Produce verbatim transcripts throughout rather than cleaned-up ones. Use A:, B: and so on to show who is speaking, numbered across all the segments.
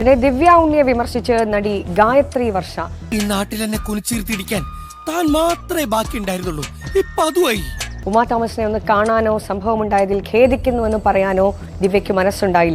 A: ദിവ്യ ഉണ്ണിയെ വിമർശിച്ച് നടി ഗായത്രി വർഷ.
B: ഈ നാട്ടിൽ എന്നെ കുനിച്ചിരുത്തിയിരിക്കാൻ താൻ മാത്രമേ ബാക്കി ഉണ്ടായിരുന്നുള്ളൂ. ഇപ്പൊ അതുമായി.
A: ഉമാ തോമസിനെ ഒന്ന് കാണാനോ സംഭവമുണ്ടായതിൽ ഖേദിക്കുന്നുവെന്ന് പറയാനോ ദിവ്യയ്ക്ക് മനസ്സുണ്ടായില്ല.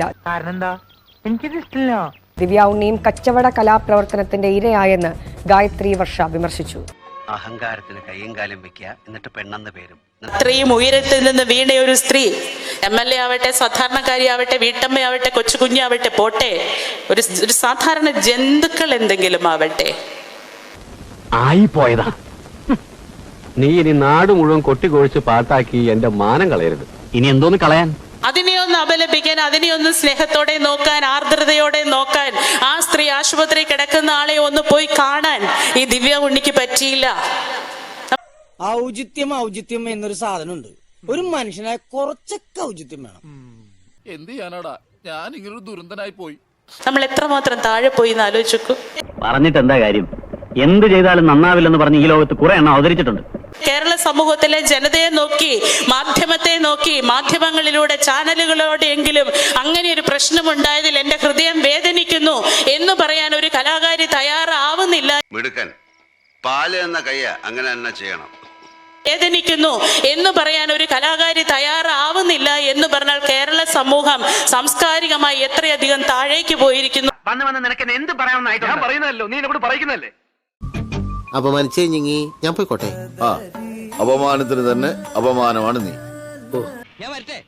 A: ദിവ്യ ഉണ്ണിയും കച്ചവട കലാപ്രവർത്തനത്തിന്റെ ഇരയായെന്ന് ഗായത്രി വർഷ വിമർശിച്ചു.
C: അഹങ്കാരത്തിന് കയ്യും കാലം വെക്കുക, എന്നിട്ട് പെണ്ണെന്ന പേരും.
D: ഇത്രയും ഉയരത്തിൽ നിന്ന് വീണ ഒരു സ്ത്രീ, എം എൽ എ ആവട്ടെ, സാധാരണക്കാരിയാവട്ടെ, വീട്ടമ്മയാവട്ടെ, കൊച്ചു കുഞ്ഞാവട്ടെ, പോട്ടെ, ഒരു ഒരു സാധാരണ ജന്തുക്കൾ എന്തെങ്കിലും ആവട്ടെ,
E: ആയി പോയതാ. നീ ഇനി നാട് മുഴുവൻ കൊട്ടിക്കൊഴിച്ച് പാട്ടാക്കി എന്റെ മാനം കളയരുത്. ഇനി എന്തോന്ന് കളയാൻ?
D: അതിനെ ഒന്ന് അപലപിക്കാൻ, അതിനെ ഒന്ന് സ്നേഹത്തോടെ നോക്കാൻ, ആർദ്രതയോടെ നോക്കാൻ, ആ സ്ത്രീ ആശുപത്രി കിടക്കുന്ന ആളെ ഒന്ന് പോയി കാണാൻ ഈ ദിവ്യ ഉണ്ണിക്ക് പറ്റിയില്ല.
F: ഔചിത്യം ഔചിത്യം എന്നൊരു സാധനമുണ്ട്. ഒരു മനുഷ്യനായ കുറച്ചൊക്കെ ഔചിത്യം വേണം.
G: എന്ത് ചെയ്യാനാടാ, ഞാൻ ഇങ്ങനൊരു ദുരന്തനായി പോയി.
D: നമ്മൾ എത്രമാത്രം താഴെ പോയി എന്ന് ആലോചിച്ചു.
E: പറഞ്ഞിട്ട് എന്താ കാര്യം? എന്ത് ചെയ്താലും നന്നാവില്ലെന്ന് പറഞ്ഞ് ഈ ലോകത്ത് കുറെ എണ്ണം അവതരിച്ചിട്ടുണ്ട്.
D: കേരള സമൂഹത്തിലെ ജനതയെ നോക്കി, മാധ്യമത്തെ നോക്കി, മാധ്യമങ്ങളിലൂടെ ചാനലുകളോടെ എങ്കിലും അങ്ങനെ ഒരു പ്രശ്നമുണ്ടായതിൽ എന്റെ ഹൃദയം വേദനിക്കുന്നു എന്ന് പറയാൻ ഒരു കലാകാരി തയ്യാറാവുന്നില്ല.
H: മിടുക്കൻ, പാല് എന്ന കയ്യ അങ്ങനെ തന്നെ ചെയ്യണം.
D: വേദനിക്കുന്നു എന്ന് പറയാൻ ഒരു കലാകാരി തയ്യാറാവുന്നില്ല എന്ന് പറഞ്ഞാൽ കേരള സമൂഹം സാംസ്കാരികമായി എത്രയധികം താഴേക്ക് പോയിരിക്കുന്നു.
E: വന്ന് വന്ന് നിനക്ക് എന്ത് പറയാമെന്നായിട്ട് ഞാൻ പറയുന്നതല്ലോ, നീ എന്നോട് പറയുന്നല്ലേ.
I: അപമാനിച്ചേ ഞങ്ങി, ഞാൻ പോയിക്കോട്ടെ.
G: ആ, അപമാനത്തിന് തന്നെ അപമാനമാണ് നീ.
F: ഞാൻ വരട്ടെ.